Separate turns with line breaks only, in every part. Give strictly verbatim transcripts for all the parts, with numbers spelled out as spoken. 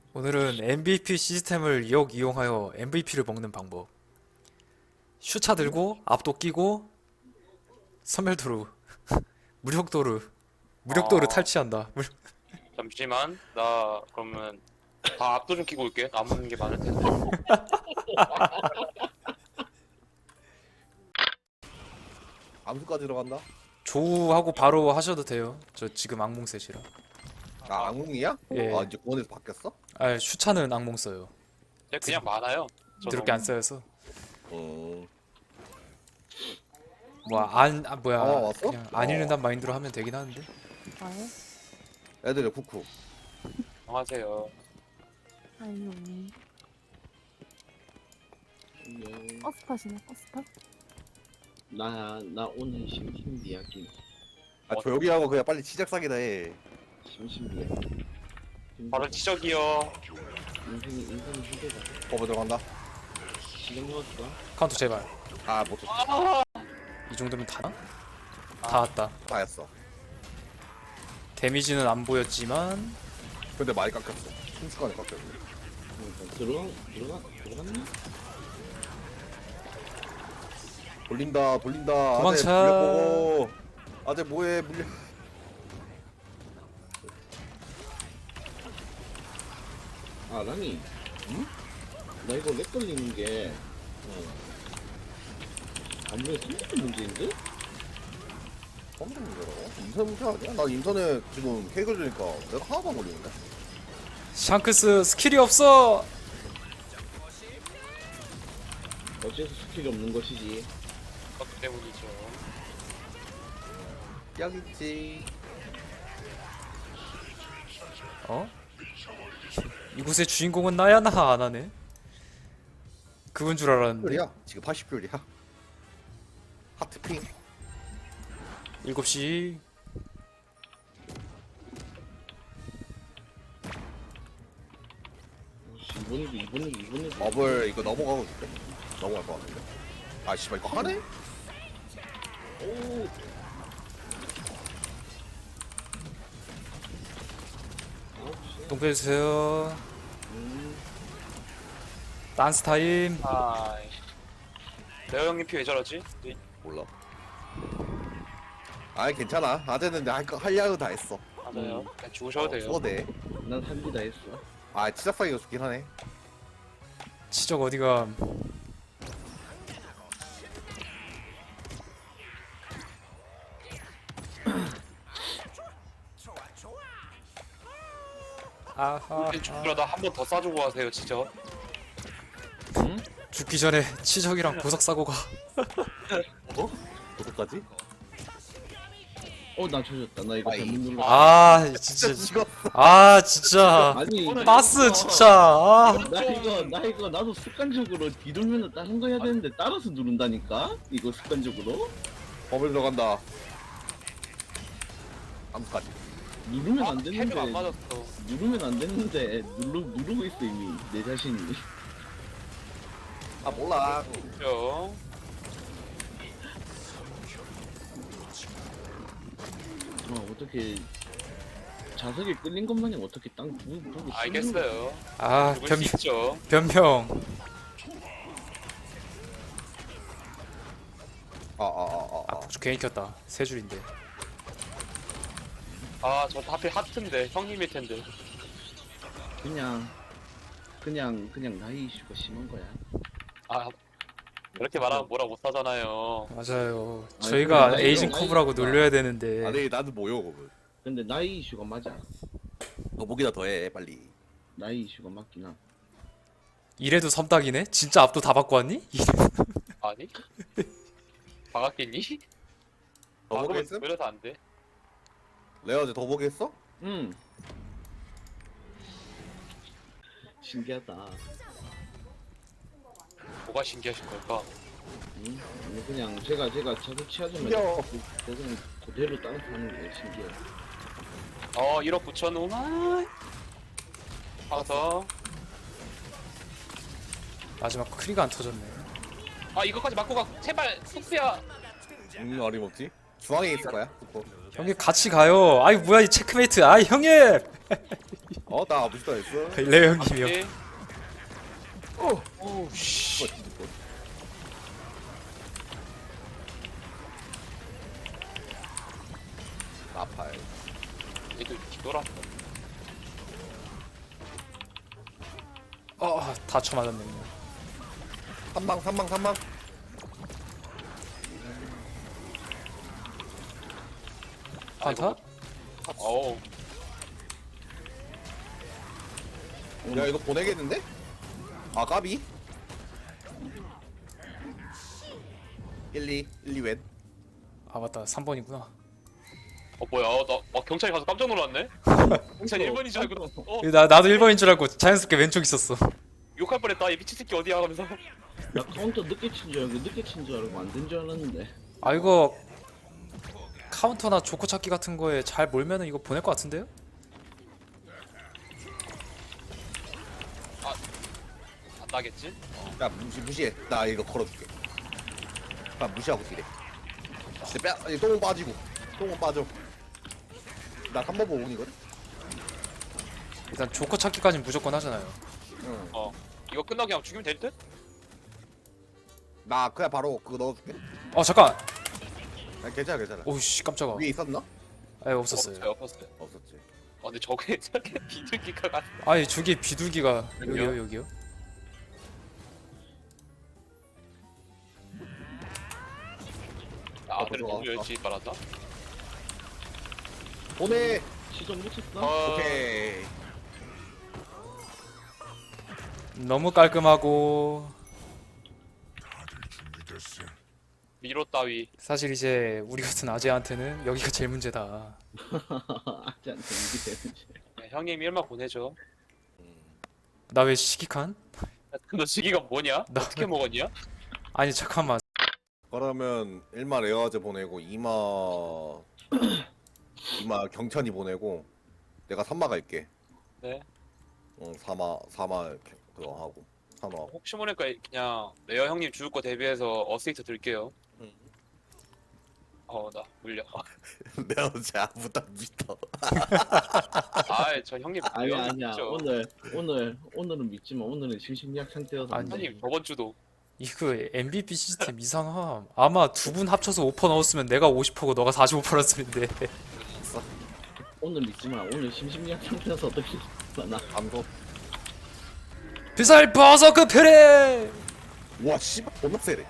오늘은 엠브이피 시스템을 역이용하여 엠브이피를 먹는 방법. 슈차 들고 압도 끼고 선멸도루 무력도루 무력도루
아.
탈취한다. 물-
잠시만, 나 그러면 다 압도 좀 끼고 올게. 남은 게 많을 텐데.
암수까지 들어간다?
조우하고 바로 하셔도 돼요. 저 지금 악몽 셋이라.
아, 악몽이야?
예.
아, 이제 구원에서 바뀌었어?
아 슈차는 악몽 써요.
그냥, 그냥 많아요. 저도.
그렇게 안 써여서
어.
뭐안 아, 뭐야
어, 왔어?
그냥 안
어.
읽는단 마인드로 하면 되긴 하는데.
아예?
애들의 쿠쿠.
안녕하세요.
아니요.
안녕.
버스팟이네, 버스팟?
나, 나 오늘 심심비약긴.
아, 조용히 하고 그냥 빨리 시작 사기다 해.
심심비약.
바로 지적이요.
인생이, 인생이 힘들다.
버버 들어간다?
지금 넣었어?
카운터 제발.
아, 못 쳤어.
이 정도면 다나? 다 왔다.
다 했어.
데미지는 안 보였지만
근데 많이 깎였어. 순식간에 깎였어.
그러니까 들어가, 들어가, 들어갔나?
돌린다, 돌린다.
도망쳐.
아재 물려보고. 아재 뭐해, 물려.
아, 라니.
응?
나 이거 렉 걸리는 게, 어. 아무래도 생각도 문제인데?
깜짝 놀라라고? 인터넷 문제 아니야? 나 인터넷 지금 케이크 주니까 내가 하나도 안 걸리는데?
샹크스 스킬이 없어.
어째서 스킬이 없는 것이지.
그것 때문이죠.
여기 있지.
어? 이곳의 주인공은 나야 나 안 하네. 그건 줄 알았는데.
퓨리야? 지금 팔십 퓨리야? 하트핑?
일곱 시
오씨, 이번에도, 이번에도, 이번에도.
버블 이거 넘어가고 있대? 넘어갈 것 같은데? 아, 씨발, 이거 하네?
오! 아홉 시.
동표해주세요.
음,
댄스 타임.
아이. 레오 형님 피 왜 저러지? 네,
몰라. 아이, 괜찮아. 아재는 할, 거- 할 야구 다 했어.
맞아요. 그냥 죽으셔도 돼요.
써도 돼.
난 한기 다 했어.
아, 치작사기가 좋긴 하네.
치적 어디가? 아하.
죽더라도 한 번 더 쏴주고 가세요, 진짜.
응?
죽기 전에 치적이랑 보석 사고 가.
어떡하지?
어, 나 조졌다. 나 이거
아이.
잘못 눌렀어.
아 진짜.
찍어.
아 진짜.
아니,
바스 진짜. 아.
나 이거 나 이거 나도 습관적으로 뒤돌면 다른 거 해야 되는데 따라서 누른다니까? 이거 습관적으로?
버블 들어간다. 암수까지.
누르면
아,
안
헤드가
되는데
안 맞았어.
누르면 안 되는데 누르 누르고 있어 이미 내 자신이.
아, 몰라.
그죠?
어 어떻게 자석에 끌린 것 마냥 어떻게 땅 부, 보고
알겠어요.
아
죽을
변,
수 있죠.
변평.
아, 아, 아, 아.
아 폭주 괜히 켰다. 세 줄인데.
아, 저 하필 하트인데. 형님일 텐데.
그냥 그냥 그냥 나이 이슈가 심한 거야.
아, 이렇게 말하면 뭐라 못 하잖아요.
맞아요.
아니,
저희가
그래,
에이징
나이-
커브라고
나이-
놀려야 되는데.
아니, 나도 뭐요, 그분.
근데 나이 이슈가 맞아.
너 목이나 더 해, 빨리.
나이 이슈가 맞긴 하.
이래도 섬딱이네? 진짜 압도 다 바꿔 왔니?
아니? 박았겠니?
더
아, 그러면
보겠음?
왜 이래서 안 돼?
레어 어제 더 보겠어?
응. 신기하다.
뭐가 신기하신 걸까?
응? 아니, 그냥 제가 제가 자주 취하자마자
신기하오.
그- 그냥 그대로 따라서 하는 게 신기해.
어, 일억 구천오만. 가서.
마지막 크리가 안 터졌네.
아, 이거까지 맞고 가. 제발, 숙수야.
음, 어림없지. 중앙에 있을 거야, 쿠쿠.
형님 같이 가요. 아이 뭐야 이 체크메이트. 아이 형님.
어나 아부지도 했어.
레오 형님이요.
앞뒤.
어.
오우 씨.
이거 뒤집어. 아파요.
얘도 뒤돌아.
어, 다쳐 맞았네. 그냥.
삼방 삼방 삼방.
판타?
어우.
야 이거 보내겠는데? 아 까비? 일, 이, 일, 이 웬?
아 맞다, 삼 번이구나.
어 뭐야? 나 어, 경찰이 가서 깜짝 놀랐네. 경찰 일 번인 줄 알고. 어
나 나도 일 번인 줄 알고 자연스럽게 왼쪽 있었어.
욕할 뻔했다. 이 미친 새끼 어디야? 하면서.
나 카운터 늦게 친 줄 알고 늦게 친 줄 알고 안 된 줄 알았는데.
아 이거 카운터나 조커 찾기 같은 거에 잘 몰면은 이거 보낼 것 같은데요?
안 나겠지?
야 무시 무시해. 나 이거 걸어줄게. 나 무시하고 뛰래. 내 뺨, 아니, 똥은 빠지고. 똥은 빠져. 나 삼 번 보온이거든.
일단 조커 찾기까지는 무조건 하잖아요.
응.
어. 이거 끝나고 그냥 죽이면 될 듯?
나 그냥 바로 그거 넣어줄게.
어 잠깐.
아, 괜찮아 괜찮아.
오씨 깜짝아.
위에 있었나?
아 없었어요.
없어요. 없었어요.
없었지.
어 근데 저게 저게 비둘기가 같.
아니 저기 비둘기가 여기요
여기요?
여기요.
아 아들을
들어와.
너무 열심히 빨았다.
보내.
시점 못 쳤어?
어.
오케이.
너무 깔끔하고
미로 따위.
사실 이제 우리 같은 아재한테는 여기가 제일 문제다.
아직 안 되는 게
네, 형님 일만 보내줘.
나 왜 시기칸?
너 시기가 뭐냐?
나-
어떻게 먹었냐?
아니 잠깐만.
그러면 일마 레어제 보내고 이마 이마 경천이 보내고 내가 삼마 갈게.
네.
응 사마 사마 그거 하고 산호 하고.
혹시 모르니까 그냥 레어 형님 죽을 거 대비해서 어스이트 들게요.
응.
어 나 물려.
내가 어제 아무도 안 믿어.
아저 형님
아니
레어
아니야
믿죠.
오늘 오늘 오늘은 믿지만 오늘은 심심리학 상태여서 안
아니,
돼.
형님 저번 주도
이거 엠브이피 시스템 이상함. 아마 두 분 합쳐서 오 퍼센트 넣었으면 내가 오십 퍼센트고 너가 사십오 퍼센트였는데.
오늘 믿지만 오늘 심심리학 상태여서 어떻게 나
감소.
비살 버서크 페레.
와 씨발 존나 세네.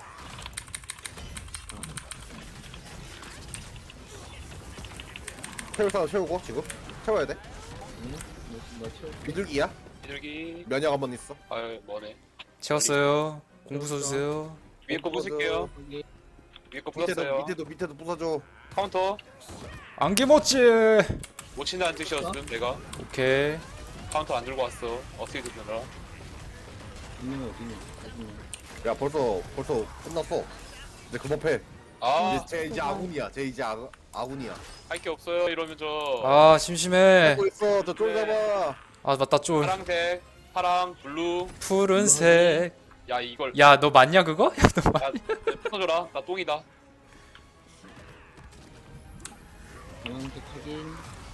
채울 사람 채우고 지금 채워야 돼.
나 채워.
비둘기야?
비둘기.
면역 한번 있어.
아유 뭐네.
채웠어요. 공부 써주세요.
위에 거 부술게요.
여기
위에 거
밑에도
부쉈어요.
밑에도 밑에도 부숴줘.
카운터.
안개모찌.
못 친다는 뜻이었음 내가.
오케이.
카운터 안 들고 왔어. 어스이트 드느라.
있는 거 어디냐? 어디냐?
야 벌써 벌써 끝났어. 이제 그만 패.
아
이제 쟤 이제 아군이야. 쟤 이제 아, 아군이야.
할 게 없어요 이러면 저
아 심심해.
하고 있어. 저쫄
네.
잡아.
아 맞다 쫄.
파랑색, 파랑, 블루.
푸른색.
야 이걸
야 너 맞냐 그거? 야 너 맞.
야 풀어줘라. 나 똥이다.
방황색 확인.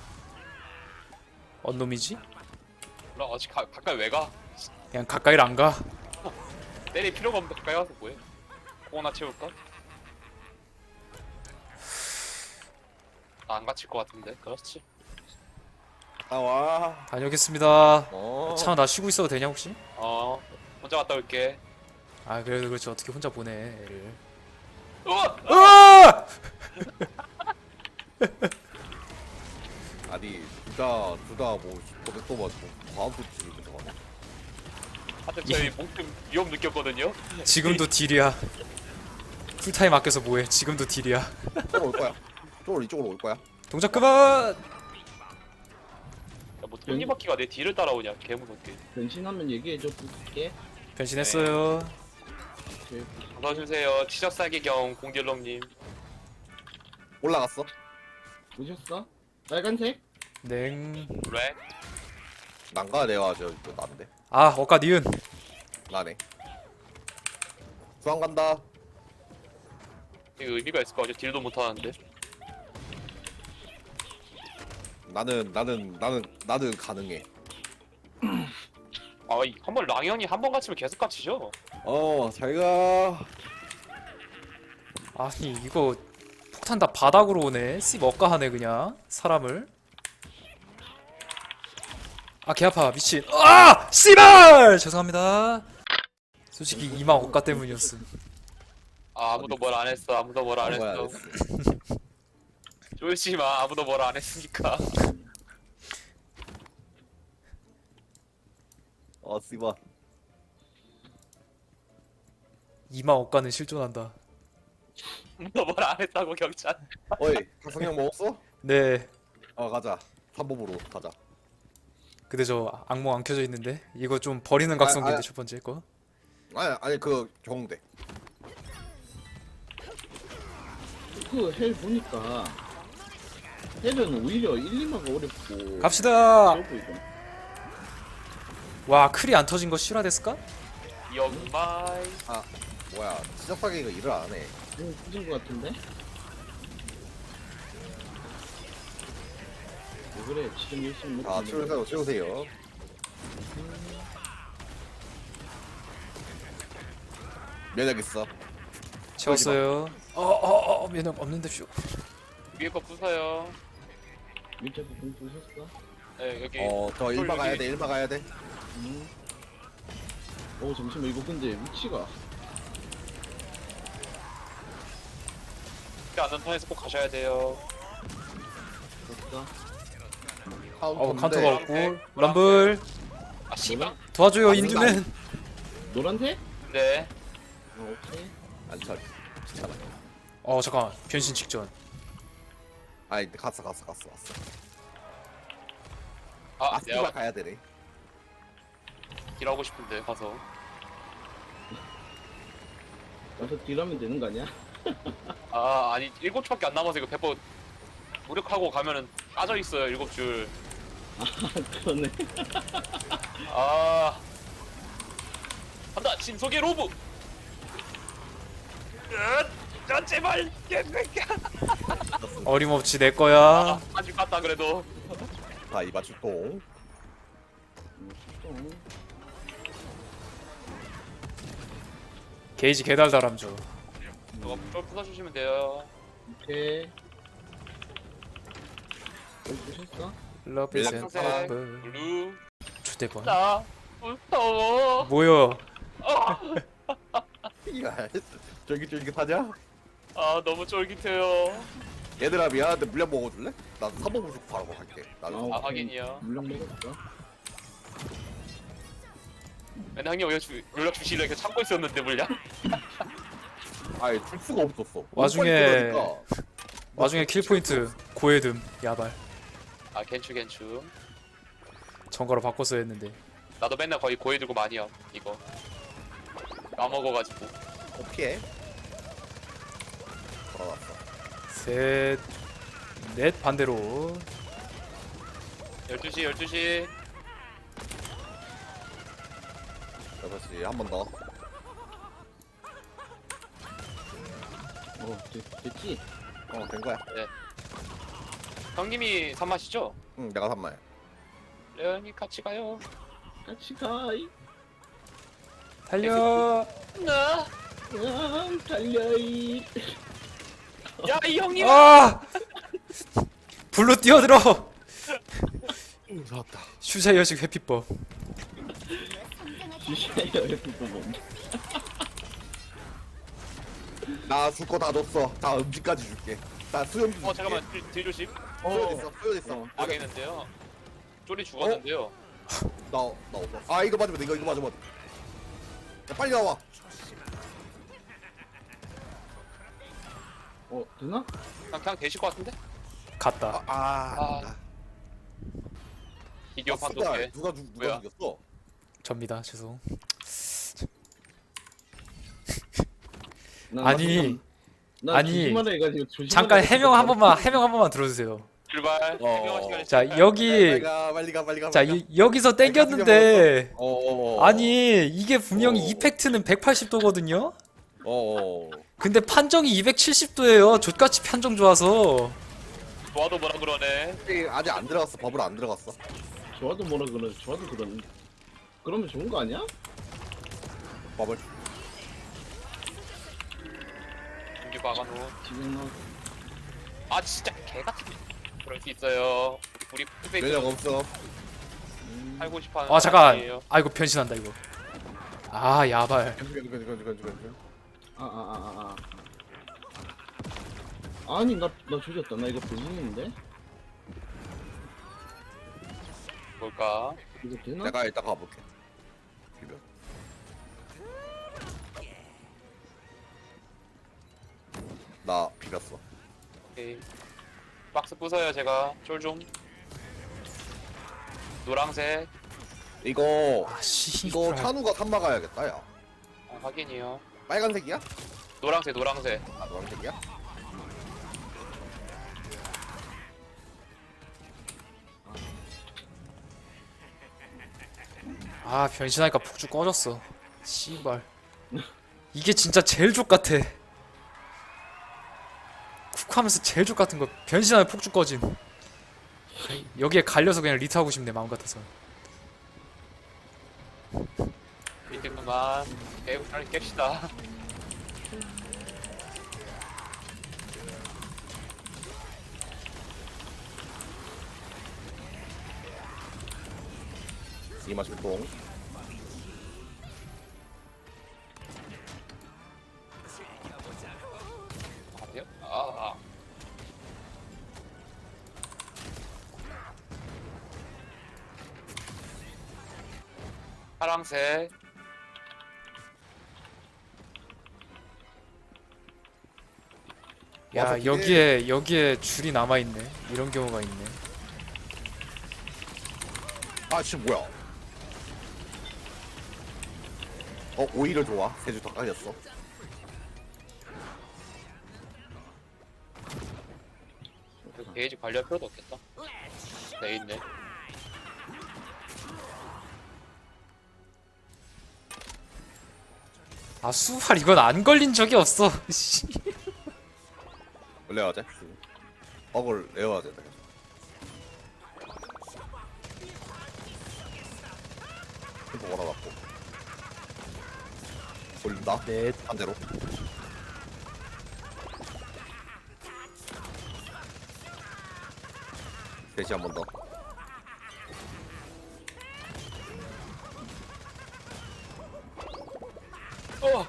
언 놈이지?
나 아직 가, 가까이 왜 가?
그냥 가까이를 안 가.
때릴 필요가 없는데 가까이 가서 뭐해? 공 하나 채울까? 나 안 갇힐 것 같은데. 그렇지.
아 와.
다녀오겠습니다.
어.
차 나 쉬고 있어도 되냐 혹시?
어 혼자 갔다 올게.
아 그래도 그렇지 어떻게 혼자 보내 애를.
우와!
으아!
아니 둘다 둘다뭐 또 맞고 과학 수치 들어가네.
하여튼 저희 몸좀 위험 느꼈거든요.
지금도 딜이야. 풀타임 아껴서 뭐해? 지금도 딜이야.
이쪽으로 올 거야. 이쪽으로 이쪽으로 올 거야.
동작 그만.
야뭐 톱니바퀴가 내 뒤를 따라오냐? 개무섭게.
변신하면 얘기해줘. 볼게.
변신했어요.
제일
받아주세요. 치적사기경 공딜럼님.
올라갔어.
보셨어? 빨간색?
냉.
렉.
난가 내가 저 저, 난데.
아 어까 니은.
나네. 수학 간다.
이거 의미가 있을 거 같아. 딜도 못하는데.
나는 나는 나는 나는 가능해.
아, 한번 랑형이 한 번 갇히면 계속 갇히죠?
어, 잘가.
아니 이거 폭탄 다 바닥으로 오네. 씨 먹가하네 그냥 사람을. 아 개 아파 미친. 아 씨발 죄송합니다. 솔직히 이마 억가 때문이었음.
아, 아무도 뭘 안 했어. 아무도 뭘 안
뭐야,
했어. 쫄지 마. 아무도 뭘 안 했으니까.
어, 씨발.
이마 억가는 실존한다.
아무도 뭘 안 했다고 경찰.
어이, 각성약 먹었어?
네.
어, 가자. 삼법으로 가자.
근데 저 악몽 안 켜져 있는데 이거 좀 버리는 각성기인데
아.
첫 번째 거.
아니, 아니 그 경대.
그 헬 보니까 헬은 오히려 일, 이마가 어렵고
갑시다.
쉬워 보이고.
와 클이 안 터진 거 실화됐을까?
영마이.
아, 뭐야? 시작하기 이거 일을 안 해.
좀 늦은 것 같은데? 왜 그래 지금 열심히 먹고
아,
있는데.
치우세요, 치우세요. 면역 있어.
채웠어요. 어어어 면역 없는데 쇼.
위에 거 부숴요.
밑에 부분 보셨어?
네, 여기.
어, 저 일마
여기.
가야 돼, 일마 가야 돼.
음. 어 잠시만 이거 근데 위치가
않는 턴에서 꼭 가셔야 돼요.
됐다.
어
카운터인데.
카운터가 없고
노란색,
럼블
아, 씨발.
노란?
도와줘요
아,
인두맨.
노란색?
네.
어 오케이.
안 차. 귀찮아.
어 잠깐 변신 직전.
아니, 갔어, 갔어, 갔어, 갔어.
아,
아,
내가
씨발 가야 되네.
일하고 싶은데 가서.
가서 딜하면 되는 거 아니야?
아, 아니 일곱 줄밖에 안 남아서 이거 배포 무력하고 가면은 빠져 있어요 일곱 줄.
그러네.
아. 간다 신속의 로브. 으, 야 제발.
어림없이 내 거야.
아주 갔다 그래도.
자, 이마 출동.
좀.
게이지 개달달함죠.
저거 쫄 부숴주시면 돼요.
오케이. 여기 보셨어?
러브
밀랍
앤
상세.
퍼블.
블루.
주대번.
나 무서워.
뭐야?
야, 쫄깃쫄깃하냐?
아 너무 쫄깃해요.
얘들아, 미안한데 물량 먹어줄래? 나 삼법을 주고 바로 갈게. 나는
아우.
아 확인이요.
물량 먹었어.
맨날 형님 왜 주, 연락 주시려 이렇게 참고 있었는데 물량?
아예 줄 수가 없었어.
와중에-
너무 빨리 들어가니까.
와중에 킬 포인트 고해듬 야발.
아 겐추 겐추.
정가로 바꿨어야 했는데.
나도 맨날 거의 고해 들고 많이 함 이거. 까먹어가지고.
어, 피해. 돌아왔어.
셋, 넷 반대로.
열두 시 열두 시.
여섯 시 한 번 더.
어 됐, 됐지?
어, 된 거야.
형님이 산마시죠?
응, 내가 삼마야.
레온이 같이 가요.
같이 가. 이.
달려.
나.
아, 달려 이.
야이 형님.
아! 불로 뛰어들어.
응, 좋았다.
슈자 여식 회피법.
주시아요 이거 뭐.
나 줄 거 다 줬어. 다 음식까지 줄게. 나 수염도 줄게.
어 잠깐만 뒤, 뒤 조심.
수염 있어, 수염 있어.
어.
망했는데요. 쫄이 죽었는데요.
나, 나 없어. 아, 이거 맞으면 돼. 이거, 이거 맞으면 돼. 야, 빨리 나와.
어 되나?
그냥, 그냥 되실 것 같은데?
갔다.
아, 아.
아. 비디오
아,
판도
쓰다.
게
누가 죽, 누가
뭐야?
죽였어?
접니다. 죄송.
나,
아니,
나
아니,
조심하라 해가지고 조심하라
잠깐
해가지고
해명 한 번만 해명 한 번만 들어주세요.
출발.
어.
해명할 시간이
자
있으니까.
여기
빨리 가, 빨리 가, 빨리 가.
자
빨리 가.
이, 여기서 땡겼는데
어, 어, 어.
아니 이게 분명히
어.
이펙트는 백팔십 도거든요.
어, 어.
근데 판정이 이백칠십 도예요. 족같이 판정 좋아서.
좋아도 뭐라 그러네.
아직 안 들어갔어. 버블 안 들어갔어.
좋아도 뭐라 그러 좋아도 그러는데 그러면 좋은 거 아니야?
버블.
준비 막아놓은.
지금 나
아 진짜 개같은. 그럴 수 있어요. 우리 후배들
면역 없어.
살고 싶어하는
아 잠깐.
사람이에요.
아 이거 변신한다 이거. 아 야발.
건지 건지 건지 건지 건지.
아 아 아 아 아. 아니 나 나 조졌다. 나 이거 변신인데?
뭘까?
이거 되나?
내가 일단 가볼게. 비벼. 나 비볐어.
오케이. 박스 부숴요 제가. 쫄 좀. 노랑색.
이거
아 씨.
이거 찬우가 삼마 가야겠다 야.
아, 확인이요.
빨간색이야?
노랑색 노랑색.
아 노란색이야?
아 변신하니까 폭주 꺼졌어. 씨발. 이게 진짜 제일 족 같아. 쿡하면서 제일 족 같은 거 변신하면 폭주 꺼짐. 여기에 갈려서 그냥 리트 하고 싶네 마음 같아서.
밑에 그만. 에이 빨리 깹시다.
이마 출동.
아니요? 아, 아. 파랑색.
야
와서
여기에 여기에 줄이 남아 있네. 이런 경우가 있네.
아 지금 뭐야? 어 오히려 좋아. 세 줄 더 까졌어.
그 게이지 관리할 필요도 없겠다. 네 있네.
아 수발 이건 안 걸린 적이 없어. 씨.
레어제. 어글 레어제. 템포 걸어갖고 올린다. 네. 반대로. 대시 한 번 더.
어!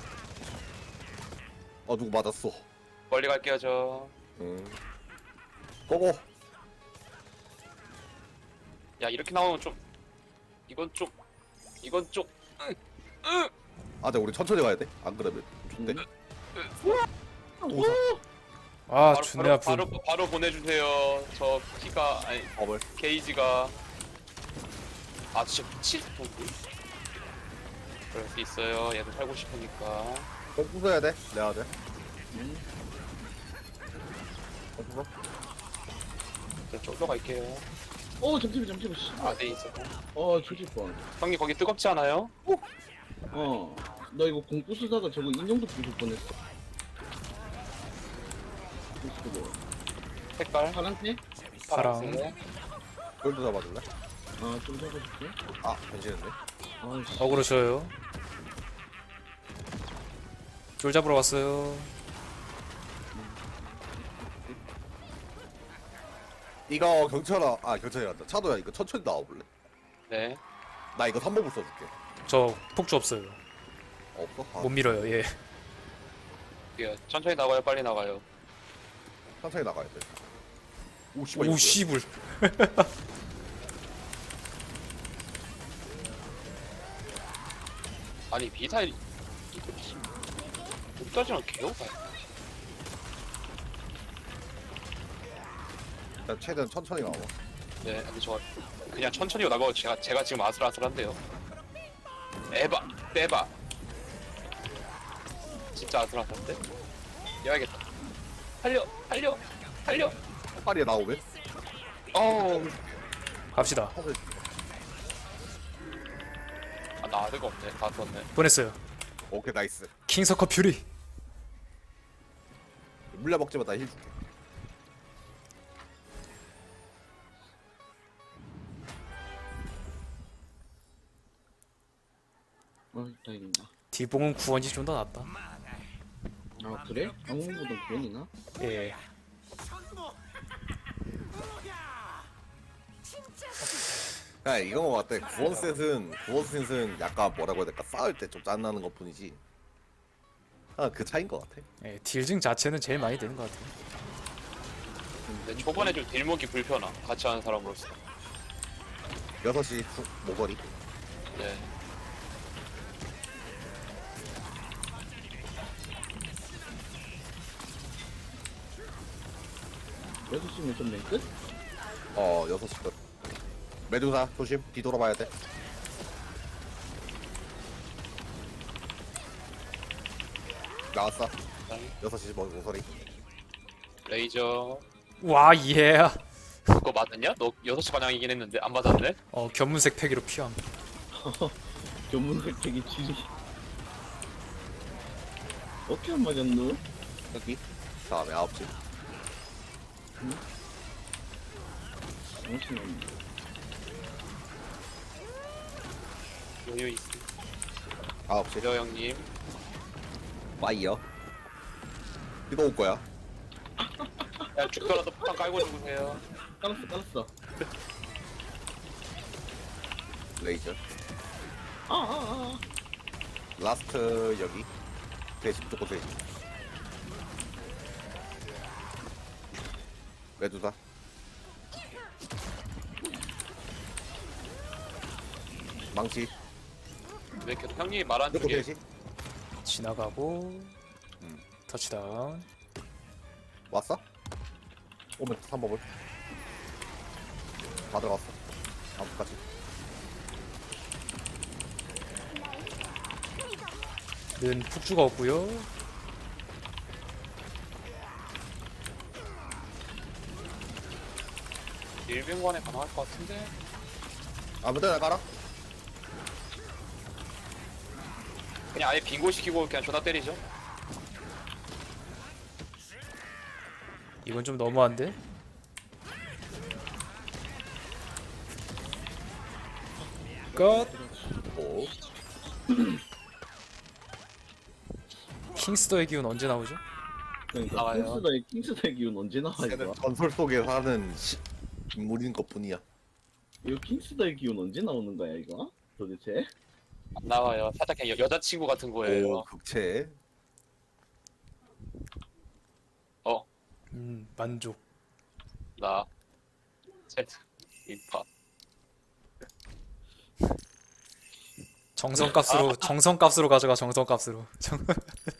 어 누구 맞았어.
멀리 갈게요 저.
응. 고고.
야 이렇게 나오면 좀 이건 좀 이건 좀
아, 근데 우리 천천히 가야 돼. 안 그러면 좋대.
아
바로
존내
바로,
아픈.
바로 바로 보내주세요. 저 피가 아니
버블.
게이지가 아 진짜 미칠 텐데. 그럴 수 있어요. 얘도 살고 싶으니까.
꼭 부숴야 돼. 레어제.
음.
어, 부숴.
저 쫄러 갈게요.
어 잠시만 잠시만. 씨.
아네 있어.
어 조질 뻔.
형님 거기 뜨겁지 않아요?
어. 나 이거 공부 쓰다가 저거 인형도 부술 뻔했어. 부수고.
색깔
파란색?
파랑.
파란색.
골드 잡아줄래?
아좀 잡아줄게.
아, 변신했네.
아씨.
어그로 줘요. 쫄 잡으러 왔어요.
이거 경찰아, 아 경찰이란다. 차도야 이거 천천히 나와볼래?
네.
나 이거 삼 법을 써줄게.
저 폭주 없어요.
없어? 아,
못 밀어요. 예.
예, 천천히 나가요. 빨리 나가요.
천천히 나가야 돼. 오 씨발.
오
이거
씨불.
아니 미사일 이거 여기까지만 개오바야.
나 최대한 천천히 나와.
네, 근데 저 그냥 천천히 나가고 제가 제가 지금 아슬아슬한데요. 에바, 빼바. 진짜 아슬아슬한데? 이어야겠다. 달려, 달려, 달려.
파리에 나오면?
어우,
갑시다.
사실
아, 나 아드가 없네. 다 썼네.
보냈어요.
오케이 나이스.
킹서커 퓨리.
물려 먹지 마, 나 힐 줄게.
어 다행이다.
딜봉은 구원이 좀 더 낫다.
아 그래? 방문보다 구원이나?
예.
야 이건 것 같아. 구원셋은 구원셋은 약간 뭐라고 해야 될까? 싸울 때 좀 짠나는 것 뿐이지. 아 그 차인 것 같아.
예, 딜증 자체는 제일 많이 되는 것 같아요.
근데 초반에 좀 딜먹기 불편함. 같이 하는 사람으로서.
여섯 시 후, 모거리.
네.
여섯 시면 좀맨 끝?
어 여섯 시 끝. 메두사 조심. 뒤돌아봐야 돼. 나왔어. 여섯 시 모- 모서리.
레이저.
와, 예.
그거 맞았냐? 너 여섯 시 반향이긴 했는데 안 맞았네?
어, 견문색 패기로 피함.
견문 획득이 지리. 어떻게 안 맞았노?
여기. 다음에 아홉 시.
정신없네.
여유 있어.
아홉 시.
저 형님.
파이어. 이거 올 거야.
야 죽더라도 폭탄 깔고 죽으세요.
깔았어 깔았어.
레이저.
아아아.
라스트 여기. 대시 무조건 대시. 메두사. 망치.
왜 이렇게 형님이 말한
무조건
중에
대시.
지나가고
음.
터치다운.
왔어? 오면 삼 법을. 다 들어갔어. 아무까지.
는 푹 죽었고요.
일병관에 가능할 것 같은데?
아무 데나 가라.
그냥 아예 빙고시키고 그냥 존나 때리죠.
이건 좀 너무한데? 끝.
오.
킹스더의 기운 언제 나오죠?
그러니까
나와요.
킹스다의 킹스다의 기운 언제 나와
쟤는
이거?
전설 속에 사는 시, 인물인 것뿐이야.
이거 킹스다의 기운 언제 나오는 거야 이거? 도대체?
안 나와요. 살짝 그냥 여, 여자친구 같은 거예요.
오 극체.
어,
음, 만족.
나. 세트. 인파.
정성값으로 정성값으로 가져가 정성값으로. 정-